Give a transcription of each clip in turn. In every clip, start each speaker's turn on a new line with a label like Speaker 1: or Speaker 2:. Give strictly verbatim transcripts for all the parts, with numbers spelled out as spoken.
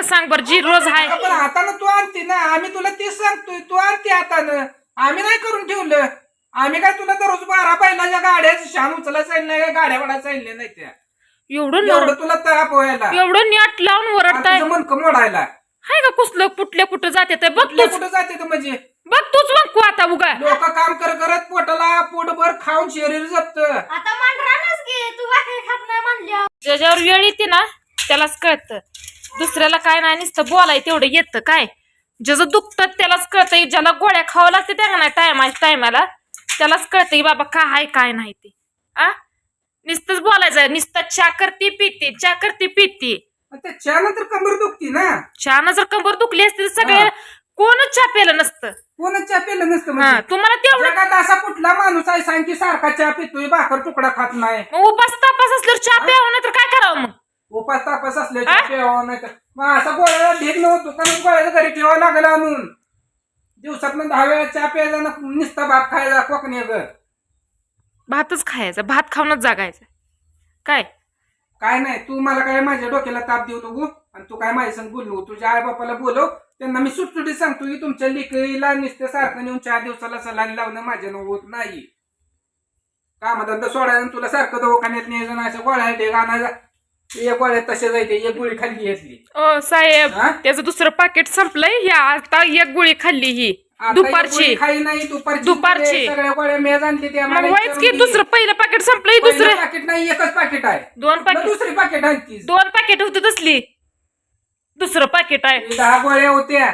Speaker 1: सांग बर जी रोज आहे
Speaker 2: पण हातानं तू आणते ना आम्ही तुला तेच सांगतोय तू आणते हातानं आम्ही नाही करून ठेवलं आम्ही काय तुला दररोज बारा बैलाच्या गाड्या शान उचलायला जाईल नाही गाड्या वडायला जाईल नाही त्या
Speaker 1: एवढं
Speaker 2: एवढं तुला ताप व्हायला
Speaker 1: एवढं नेट लावून वरडताय
Speaker 2: मनकं मोडायला
Speaker 1: हाय का कुसलं कुठल्या कुठं जाते ते बघ
Speaker 2: कुठल्या
Speaker 1: तूच
Speaker 2: कुठं जाते तर म्हणजे
Speaker 1: बघ तूच बघ आता उगा
Speaker 2: लोक काम कर करत पोटाला पोटभर खाऊन शरीर जपत
Speaker 3: आता मांडरानच घे तू भाकरी खात नाही म्हणल्या
Speaker 1: ज्याच्यावर वेळ येते ना त्यालाच कळतं दुसऱ्याला काय नाही नुसतं बोलाय तेवढं येतं काय ज्याचं दुखतं त्यालाच कळतं ज्याला गोळ्या खावं लागते त्या नाही टायमा टायमाला त्यालाच कळतं की बाबा काय आहे काय नाही ते आ नुसतंच बोलायचं नुसतं चा करती पिती चा करती पिती
Speaker 2: त्या नंतर कंबर दुखती ना
Speaker 1: चहा जर कंबर दुखली असती तर सगळे कोणच चहा प्यायला नसतं
Speaker 2: कोणच चहा पिलं नसतं
Speaker 1: हा,
Speaker 2: म्हणजे.
Speaker 1: तुम्हाला तेवढं
Speaker 2: जगात असा कुठला माणूस आहे सांग की सारखा चहा पितोय भाकर तुकडा खात नाही
Speaker 1: मग उपास तापास असल्यावर चहा प्यावं नाही तर काय करावं मग
Speaker 2: उपास तापास असले चहा प्यावा नाही तर मग असा गोळ्याला ढीक नव्हतो कारण गोळ्याला घरी ठेवावं लागलं आणून दिवसात दहा वेळा चहा प्यायचा ना नुसता भात खायचा कोकणी घर
Speaker 1: भातच खायचा भात खाऊनच जागायचं काय
Speaker 2: काय नाही तू मला काय माझ्या डोक्याला ताप देऊ नको आणि तू काय माझ्या संग बोलू नको तुझ्या आई बापाला बोलव त्यांना मी सुटसुटीत सांगतो की तुमच्या लेकरीला नुसतं सारखं नेऊन चार दिवसाला सलाईन लावणं माझ्या होत नाही कामधंदा सोडायला तुला सारखं दवाखान्यात न्यायचं नाही असं गोळ्या ढेग आणायचा एक गोळ्या तसे जायचे एक गोळी खाल्ली घेतली
Speaker 1: ओ साहेब
Speaker 2: हा?
Speaker 1: त्याचं दुसरं पाकिट संपलंय ही आता एक गोळी खाल्ली ही
Speaker 2: आता एक
Speaker 1: दुपारची
Speaker 2: गोळी खाई नाही दुपारची
Speaker 1: दुपारची.
Speaker 2: सगळ्या गोळ्या मेज आणली त्या
Speaker 1: मग व्हायच की दुसरं पहिलं पाकिट संपलंय दुसरं
Speaker 2: पाकिट नाही एकच पाकिट आहे
Speaker 1: दोन
Speaker 2: मग
Speaker 1: पाकिट
Speaker 2: दुसरी पाकिट आणतीस
Speaker 1: दोन पाकिट होती तसली दुसरं पाकिट आहे
Speaker 2: ही दहा गोळ्या होत्या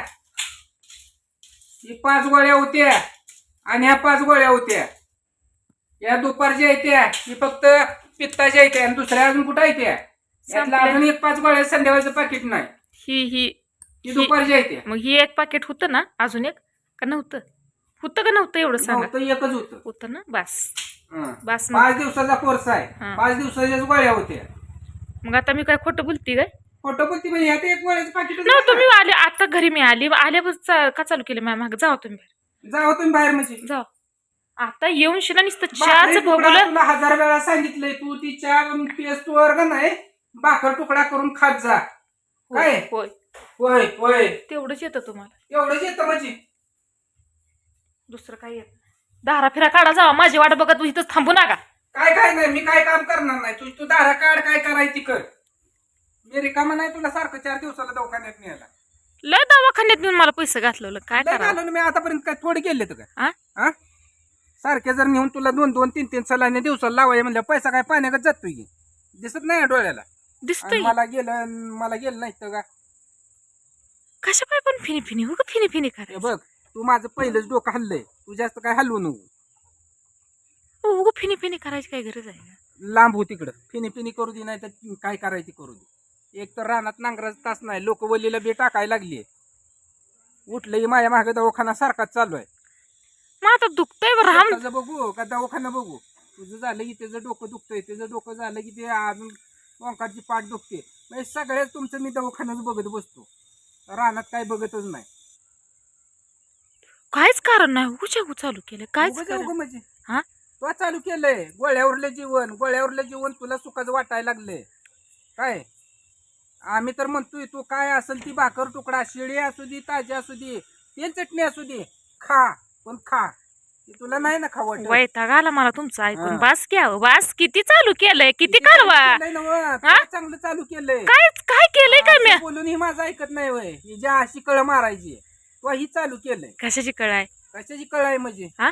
Speaker 2: ही पाच गोळ्या होत्या आणि ह्या पाच गोळ्या होत्या या दुपारच्या येत्या ही फक्त पित्ताच्या येत्या आणि दुसऱ्या अजून कुठं येत्या यातला
Speaker 1: संपल्या.
Speaker 2: अजून एक पाच गोळ्या संध्याकाळचं पाकिट नाही
Speaker 1: ही ही
Speaker 2: ही दुपारच्या येत्या
Speaker 1: मग ही एक पाकिट होतं ना अजून एक का नव्हतं होतं का नव्हतं एवढं सांगा
Speaker 2: नव्हतं एकच होतं
Speaker 1: होतं ना बस
Speaker 2: हं.
Speaker 1: बस मग.
Speaker 2: पाच दिवसाचा कोर्स आहे
Speaker 1: हं.
Speaker 2: पाच दिवसाच्याच गोळ्या होत्या
Speaker 1: मग आता मी काय खोटं बोलते काय
Speaker 2: फोटो पण ती म्हणजे ह्यात एक गोळ्याचं पाकिट
Speaker 1: नव्हतं मी आले आता घरी मी आली आल्यापासून का चालू केलं माझ्या मागे जाऊ तुम्ही बाहेर.
Speaker 2: जाऊ तुम्ही बाहेर म्हणजे
Speaker 1: जाऊ आता येऊन शिना नुसतं
Speaker 2: भाकरी
Speaker 1: चहाच
Speaker 2: तुकडा
Speaker 1: भोगलं
Speaker 2: तुला हजार वेळा सांगितलंय तू ती चहा पेस्ट वर्ग नाही भाकर तुकडा करून खात जा काय
Speaker 1: होय
Speaker 2: होय होय
Speaker 1: तेवढंच येतं तुम्हाला
Speaker 2: एवढंच येतं म्हणजे
Speaker 1: दुसरं काय येत दारा फिरा काढा जावा माझी वाट बघत तू इथंच थांबू नका
Speaker 2: काय काय नाही मी काय काम करणार नाही तू तू दारा काढ काय करायची कर मी रिकामा नाही तुला सारखं चार दिवसाला दवाखान्यात न्यायला
Speaker 1: लय दवाखान्यात नेऊन मला पैसे घातलं काय
Speaker 2: लय
Speaker 1: करा
Speaker 2: घालून मी आतापर्यंत काय थोडे गेले तर
Speaker 1: आ?
Speaker 2: का सारखे जर नेऊन तुला दोन दोन तीन तीन सलाने दिवसाला लावाय म्हणलं पैसा काय पाण्यागत जातोय की दिसत नाही डोळ्याला आणि
Speaker 1: दिसतोय
Speaker 2: मला गेलं मला गेलं नाही तर का
Speaker 1: कशा पाय पण फिनी फिनी हो का फिनी फिनी
Speaker 2: हे
Speaker 1: करा
Speaker 2: बघ तू माझं पहिलंच डोकं हल्लंय तू जास्त काय हलवू नको
Speaker 1: हो फिनी फिनी करायची काय गरज आहे का?
Speaker 2: लांब हो तिकडं फिनी फिनी करू दे नाही तर काय करायची करू दे एक तर रानात नांगराचा तास नाही लोक वलीला बे टाकायला लागली उठलंही माझ्या मागे दवाखाना सारखाच चालू आहे
Speaker 1: मग आता दुखतंय बरं राम
Speaker 2: त्याचं बघू का दवाखाना बघू तुझं झालं की त्याचं डोकं दुखतंय त्याचं डोकं झालं की ते अजून ओंकारची पाठ दुखते म्हणजे सगळ्याच तुमचं मी दवाखान्याच बघत बसतो रानात काय बघतच नाही
Speaker 1: काहीच कारण नाही उच्या चालू केलं काहीच
Speaker 2: उगाच
Speaker 1: कारण
Speaker 2: उगा म्हणजे
Speaker 1: हा
Speaker 2: तो चालू केलंय गोळ्यावरलं जीवन गोळ्यावरलं जीवन तुला सुखाचं वाटायला लागलंय काय आम्ही तर म्हणतोय तू काय असेल ती भाकर तुकडा शिळी असू दे ताजी असू दे तेल चटणी असू दे खा पण खा ती तुला नाही ना खावट
Speaker 1: वैताग आला मला तुमचं ऐकून
Speaker 2: हा.
Speaker 1: बास घ्या बास किती चालू केलंय किती करवा हा?
Speaker 2: चांगलं चालू केलंय
Speaker 1: काय काय केलंय का मी
Speaker 2: असं बोलून ही माझं ऐकत नाही वय ही ज्या अशी कळ मारायची तो ही चालू केलंय
Speaker 1: कशाची कळ आहे
Speaker 2: कशाची कळ आहे म्हणजे
Speaker 1: हा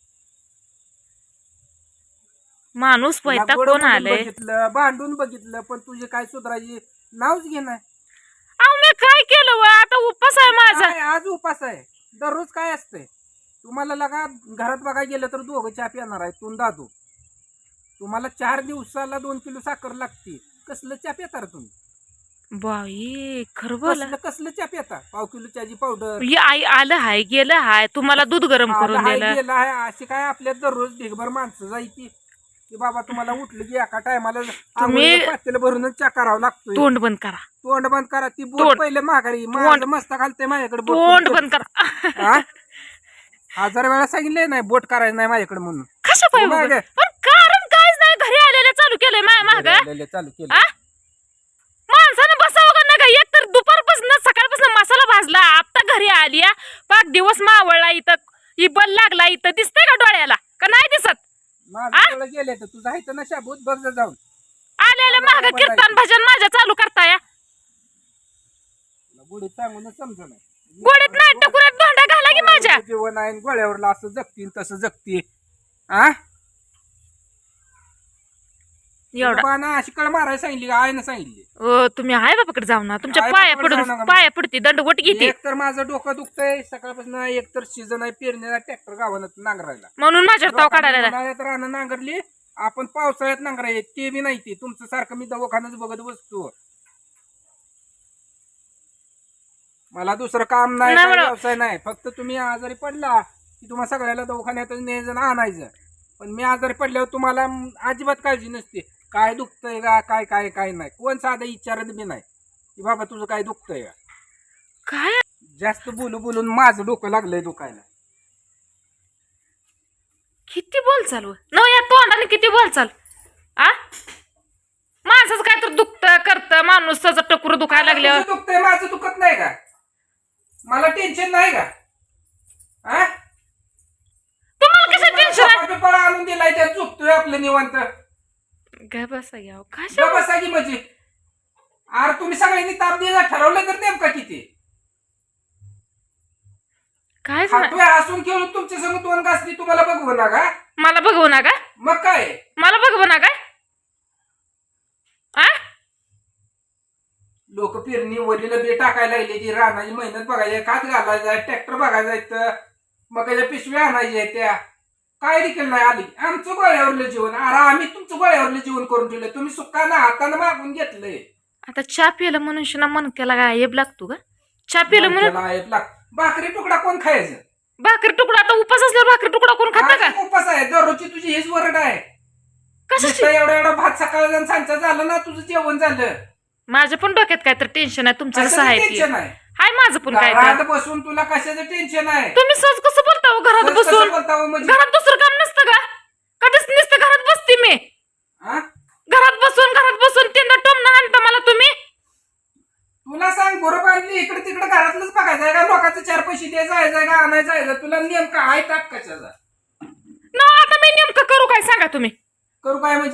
Speaker 1: माणूस
Speaker 2: तुला
Speaker 1: वैताग
Speaker 2: गोड
Speaker 1: कोण
Speaker 2: बोलून
Speaker 1: आलंय
Speaker 2: बघितलं भांडून बघितलं पण तुझे काय सुधारायची नावच घे नाही
Speaker 1: अहो मी काय केलं व आता उपास आहे माझा
Speaker 2: काय आज उपास आहे दररोज काय असतंय तुम्हाला लगा घरात बघायला गेलं तर दोघं चहा पिणार आहे तू दादू तुम्हाला चार दिवसाला दोन किलो साखर लागते कसलं चहा पिता तुम्ही
Speaker 1: बाई खरं बोला
Speaker 2: कसलं कसलं चहा पिता पाव किलो चहाची पावडर
Speaker 1: ही आई आलं हाय गेलं हाय तुम्हाला दूध गरम करून दिलं
Speaker 2: गेला आहे अशी काय आपल्या दररोज ढिगभर माणसं जायची की बाबा तुम्हाला उठलं की एका टायमाला
Speaker 1: तुम्ही-
Speaker 2: पातेलं भरूनच चहा करावं लागतोय
Speaker 1: तोंड बंद करा
Speaker 2: तोंड बंद करा ती बोट
Speaker 1: तोंड.
Speaker 2: पहिले माघारी माझं मस्त घालते माझ्याकडे बोट
Speaker 1: तोंड
Speaker 2: करून.
Speaker 1: बंद करा
Speaker 2: हा? हजार वेळा सांगितलंय नाही बोट करायचं नाही माझ्याकडे म्हणून
Speaker 1: कशा पाय
Speaker 2: हो मागं.
Speaker 1: पण कारण काहीच नाही घरी आलेलं चालू केलंय माय माग
Speaker 2: लय- लय चालू केलं
Speaker 1: माणसानं बसावं का नाही का एक तर दुपारपासून आली या पाच दिवस मावळला इथं ही बल लागला इथं दिसतंय का डोळ्याला का नाही दिसत
Speaker 2: माझं डोळं गेले तर तुझा इथं ना शाबूत बघ जा जाऊन
Speaker 1: आलेलं महाग कीर्तन भजन माझ्या चालू करताय
Speaker 2: गुढीत सांगून समजा नाही
Speaker 1: गोडीत नाही टकुरात धोंडा घाला की माझ्या
Speaker 2: जीवन आहे गोळ्यावरला असं जगतील तसं जगते आ
Speaker 1: एवढा
Speaker 2: बाना अशी कळ मारायला सांगितली का आईनं सांगितली
Speaker 1: ओ तुम्ही आहे बापाकडे जाऊ ना तुमच्या
Speaker 2: आई
Speaker 1: पाया
Speaker 2: बापाकडे
Speaker 1: पडून
Speaker 2: जाऊ नका.
Speaker 1: पाया पडती दंडवट घेते
Speaker 2: एक तर माझं डोकं दुखतंय सकाळपासून एक तर सीझन आहे पेरणीला ट्रॅक्टर गावानं नांगरायला
Speaker 1: म्हणून माझ्यावर ताव काढायला लागला.
Speaker 2: उन्हाळ्यात रानं नांगरली आपण पावसाळ्यात नांगराय ते बी नाही ते तुमचं सारखं मी दवाखान्यात बघत बसतो मला दुसरं काम नाही
Speaker 1: नाही
Speaker 2: काही
Speaker 1: बरं.
Speaker 2: व्यवसाय नाही फक्त तुम्ही आजारी पडला की तुम्हाला सगळ्याला दवाखान्यात न्यायचं आणि आणायचं पण मी आजारी पडल्यावर तुम्हाला अजिबात काळजी नसते काय दुखतंय का काय काय काय नाही कोण साधं विचारत बी नाही की बाबा तुझं काय दुखतंय का
Speaker 1: काय
Speaker 2: जास्त बोलू बोलून माझं डोकं लागलंय दुखायला
Speaker 1: किती बोल चालू न या तोंडाने किती बोल चाल आ माझंच काय तर दुखत करत माणूस त्याचं टकुर दुखायला लागल्यावर
Speaker 2: तुझं दुखतंय माझं दुखत नाही का मला टेन्शन नाही का हा
Speaker 1: तुम्हाला कसं टेन्शन आहे
Speaker 2: पेपर आणून दिलाय त्यात चुकतोय आपलं निवांत
Speaker 1: काय बसा घ्या कशा
Speaker 2: बसा की म्हणजे अरे तुम्ही सगळ्यांनी ताप द्यायला ठरवलं तर नेमका किती
Speaker 1: काय झालं?
Speaker 2: खातोय हसून खेळून तुमच्या संग दोन घासली तुम्हाला बघू ना का
Speaker 1: मला बघवू ना का
Speaker 2: मग काय
Speaker 1: मला बघवू ना काय आ
Speaker 2: लोक पेरणी वलीला बी टाकायला लागले ती रानाची मेहनत बघायची खात घालायचा ट्रॅक्टर बघायचा तर मग त्याच्या पिशव्या आणायच्या त्या काय देखील नाही आली आमचं गोळ्यावरलं जीवन अरे आम्ही तुमचं गोळ्यावरलं जीवन करून ठेवलंय तुम्ही सुखानं हातानं मागून घेतलंय
Speaker 1: आता चहा पिलं मनुष्याला मनक्याला गायब लागतो का चहा पिलं म्हणून
Speaker 2: त्याला एक लाख. भाकरी तुकडा कोण खायचं
Speaker 1: भाकरी तुकडा आता उपास असल्यावर भाकरी तुकडा कोण खाता का
Speaker 2: आज उपास आहे दररोजची तुझी हेच वरड आहे
Speaker 1: कशाची
Speaker 2: नुसतं एवढा एवढा भात सकाळ जण सांचा झालं ना तुझं जेवण झालं
Speaker 1: माझ्या पण डोक्यात काय तर टेन्शन आहे तुमचं कसं
Speaker 2: कशाचं
Speaker 1: आहे ते
Speaker 2: टेन्शन आहे
Speaker 1: हाय माझं पण काय तर
Speaker 2: घरात बसून तुला कशाचं टेन्शन आहे
Speaker 1: तुम्ही सहज कसं बोलता हो घरात
Speaker 2: कसं
Speaker 1: बसून
Speaker 2: बोलता हो म्हणजे
Speaker 1: घरात दुसरं काम नसतं का कधीच नुसतं घरात बसते मी
Speaker 2: हा?
Speaker 1: घरात बसून घरात बसून तीनदा टोमणं आणता मला तुम्ही
Speaker 2: तुला सांग बरोबर आणली इकडे तिकडे घरातलंच बघायचं आहे का लोकांचं चार पैसे द्यायचं आहे का आणायचं आहे तुला नेमका आहे ताप कशाचा
Speaker 1: न आता मी नेमकं करू काय सांगा तुम्ही
Speaker 2: करू काय म्हणजे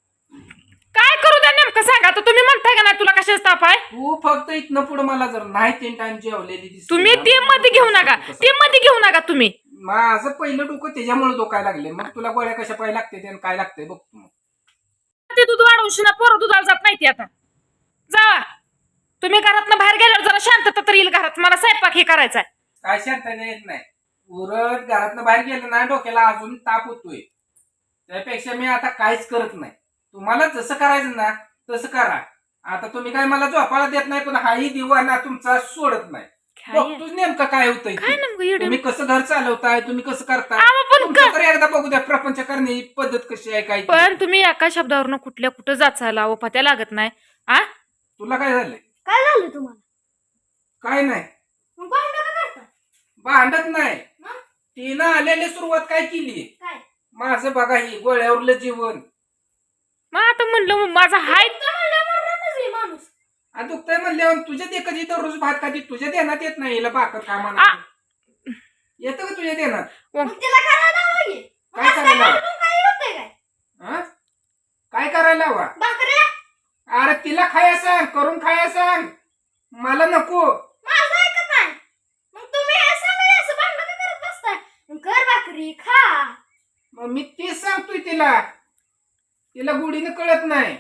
Speaker 1: काय करू द्या नेमकं सांगा आता तुम्ही म्हणताय का नाही तुला कशाचा ताप आहे
Speaker 2: तू फक्त इथनं पुढे मला जर नाही तीन टाइम जेवलेली दिसली
Speaker 1: तुम्ही
Speaker 2: ना,
Speaker 1: ते मध्ये घेऊ नका ते मध्ये घेऊ नका तुम्ही
Speaker 2: माझं पहिलं डोकं त्याच्यामुळे डोकायला लागले मग तुला गोळ्या कशा पाहिजे लागते आणि काय लागते बघ तू
Speaker 1: ते दूध वाढवून शिना पोरं दुधाला जात नाही ती आता जावा तुम्ही घरातनं बाहेर गेल्यावर जरा शांतता तर येईल घरात मला स्वयंपाक हे करायचा आहे
Speaker 2: काय शांतता येत नाही उरट घरातनं बाहेर गेलं ना डोक्याला अजून ताप होतोय त्यापेक्षा मी आता काहीच करत नाही तुम्हाला जसं करायचं ना तसं करा आता तुम्ही काय मला झोपायला देत नाही पण हाही दिवाना तुमचा सोडत नाही बघतोच नेमकं काय होतंय
Speaker 1: काय
Speaker 2: ते.
Speaker 1: नेमकं एवढं
Speaker 2: तुम्ही कसं घर चालवताय तुम्ही कसं करताय
Speaker 1: आवा पण
Speaker 2: तुमचं तर एकदा बघू द्या प्रपंच करण्याची पद्धत कशी आहे काय ती.
Speaker 1: पण तुम्ही एका शब्दावरनं कुठल्या कुठं जाचायला ओ पत्या लागत नाही आ
Speaker 2: तुला काय झालंय
Speaker 3: काय झालं तुम्हाला
Speaker 2: काय नाही
Speaker 3: मग भांडण का करता
Speaker 2: भांडत नाही
Speaker 3: मग?
Speaker 2: तिनं आलेली सुरुवात काय केली
Speaker 3: काय
Speaker 2: माझं बघा ही गोळ्यावरलं जीवन
Speaker 1: मग आता म्हणलं मग माझा हाय
Speaker 3: तर म्हणलं मरणारच आहे माणूस
Speaker 2: आणि दुखतंय म्हणल्यावर तुझ्या दे कधी दररोज भात खाती तुझ्या देण्यात येत नाही हिला भाकर काय
Speaker 1: आ.
Speaker 2: म्हणा येतं का तुझ्या देण्यात
Speaker 3: मग तिला करायला लावा की. मग
Speaker 2: काय
Speaker 3: असं
Speaker 2: करायला?
Speaker 3: भांडून काय होतंय काय
Speaker 2: हा? काय करायला हवा
Speaker 3: भाकऱ्या
Speaker 2: अरे तिला खाया सांग करून खाया सांग मला नको
Speaker 3: माझं ऐकत नाही मग तुम्ही हे सगळे असं भांडण का करत बसताय मग कर भाकरी खा
Speaker 2: मग मी तेच सांगतोय तिला तिला गुढीनं कळत नाही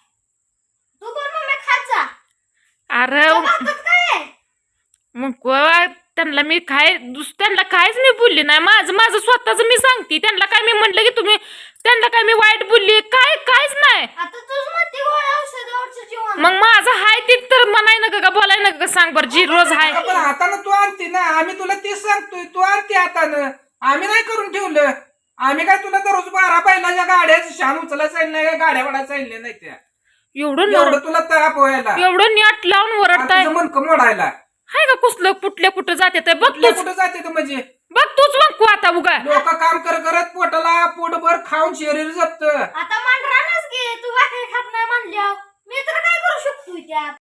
Speaker 3: तू पण मम्मी खात जा
Speaker 1: अरे
Speaker 3: त्या भातात काय आहे?
Speaker 1: मग वा- त्यांना मी काय दुस त्यांना कायच मी बोलली नाही माझं माझं स्वतःच मी सांगते त्यांना काय मी म्हणलं की तुम्ही त्यांना काय मी वाईट बोलली काय कायच नाही
Speaker 3: आता तुझ मध्ये गोळ्या औषधावरचं जीवन
Speaker 1: मग माझं हाय ते तर म्हणाय नका का बोलाय नका का सांग बरं जी रोज हाय
Speaker 2: अगं पण हातानं तू आणते ना आम्ही तुला तेच सांगतोय तू आणते हातानं आम्ही नाही करून ठेवलं आम्ही काय तुला दररोज बारा बैलाच्या गाड्या शान उचलायला सांगितलं नाही काय गाड्या वाढायला सांगितल्या नाही त्या
Speaker 1: एवढं
Speaker 2: एवढं
Speaker 1: नर-
Speaker 2: तुला ताप व्हायला
Speaker 1: एवढं नेट लावून
Speaker 2: आणि
Speaker 1: वरडताय
Speaker 2: तुझं मनकं मोडायला
Speaker 1: हाय का कुसलं कुठल्या कुठं जाते ते बघ
Speaker 2: कुठल्या
Speaker 1: तूच
Speaker 2: कुठं जाते तर म्हणजे
Speaker 1: बघ तूच मग कू आता उगा
Speaker 2: लोक काम कर करत पोटाला पोटभर खाऊन शरीर जपत
Speaker 3: आता मांडरानच घे तू भाकरी खात नाही म्हणल्यावर मी तर काय करू शकतो त्यात